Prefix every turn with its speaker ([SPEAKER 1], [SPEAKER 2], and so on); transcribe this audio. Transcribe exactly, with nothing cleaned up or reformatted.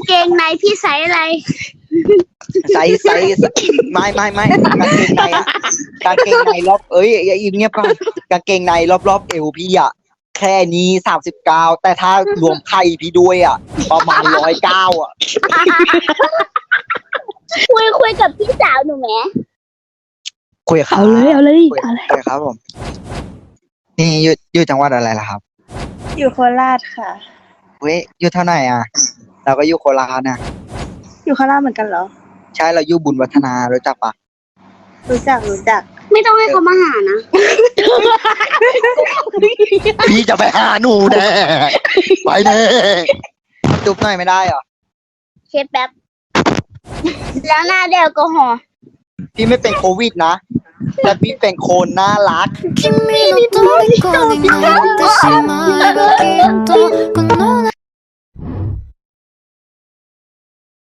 [SPEAKER 1] เกงในพี่ไซส์อะไร
[SPEAKER 2] ใส่ใส่ไม่ไม่ไม่กางเกงในกางเกงในรอบเอ้ยอย่าอิ่มเงียบก่อนกางเกงในรอบรอบเอวพี่อ่ะแค่นี้สามสิบเก้าแต่ถ้ารวมไข่พี่ด้วยอ่ะประมาณร้อยเก้าอ่ะ
[SPEAKER 1] คุยคุยกับพี่สาวหนูไหม
[SPEAKER 2] คุยกับ
[SPEAKER 3] เอาเลยเอาเลย
[SPEAKER 2] คุย
[SPEAKER 3] เอาเลย
[SPEAKER 2] คุยครับผมนี่อยู่อยู่จังหวัดอะไรล่ะครับ
[SPEAKER 4] อยู่โคราชค่ะ
[SPEAKER 2] เว้ยอยู่เท่าไหร่อ่ะเราก็อยู่โคราชนะ
[SPEAKER 4] อยู่โคราชเหมือนกันเหรอ
[SPEAKER 2] ใช่เราอยู่บุญวัฒนารู้จักปะ
[SPEAKER 4] รู้จักรู้จัก
[SPEAKER 1] ไม่ต้องให้เขามาหานะ
[SPEAKER 2] พี่จะไปหาหนูแน่ไปแน่จุ๊บหน่อยไม่ได้เหรอ
[SPEAKER 1] เคสแป๊บ แล้วหน้าเดลกอฮอล์
[SPEAKER 2] พี่ไม่เป็นโควิดนะแต่พี่เป็นโคนน่ารัก
[SPEAKER 5] 君の虜になってしまえばきっとこの